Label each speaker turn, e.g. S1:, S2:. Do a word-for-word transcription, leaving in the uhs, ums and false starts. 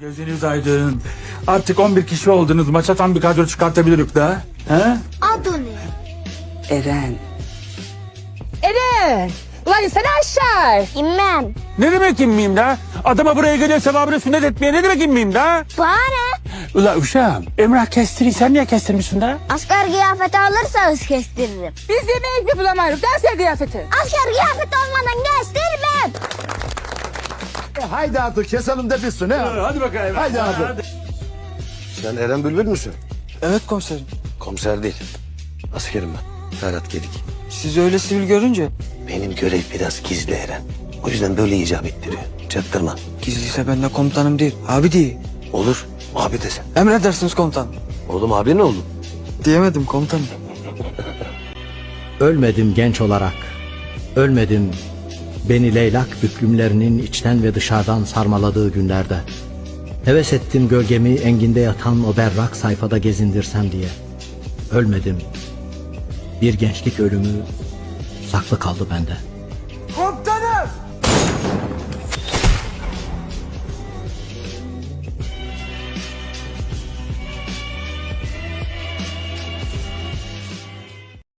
S1: Gözünüz aydın. Artık on bir kişi oldunuz. Maça tam bir kadro çıkartabiliriz da. He?
S2: Adı ne?
S3: Eren.
S4: Eren! Ulan insene aşağı.
S2: İmmem.
S1: Ne demek inmeyeyim da? Adama buraya geliyor sevabını sünnet etmeye ne demek inmeyeyim da?
S2: Bana ne?
S1: Ula uşağım, Emrah kestiri sen niye kestirmişsin da?
S2: Asker kıyafeti alırsanız kestiririm.
S4: Biz yemeği mi bulamayız? Derse kıyafeti.
S2: Asker kıyafeti olmadan kestirmem.
S5: E, haydi artık keselim de bitsin he.
S1: Hadi bakayım.
S5: Haydi abi.
S6: Sen Eren Bülbül müsün?
S7: Evet komiserim.
S6: Komiser değil. Askerim ben. Ferhat Gedik.
S7: Sizi öyle sivil görünce
S6: Benim görev biraz gizli Eren. O yüzden böyle icap ettiriyor. Çaktırma.
S7: gizliyse ben de komutanım değil. Abi değil.
S6: Olur. Abi desen.
S7: Emredersiniz komutan.
S6: Oğlum abi ne oldu?
S7: Diyemedim komutanım.
S8: Ölmedim genç olarak, ölmedim beni leylak büklümlerinin içten ve dışarıdan sarmaladığı günlerde. Heves ettim gölgemi enginde yatan o berrak sayfada gezindirsem diye. Ölmedim, bir gençlik ölümü saklı kaldı bende.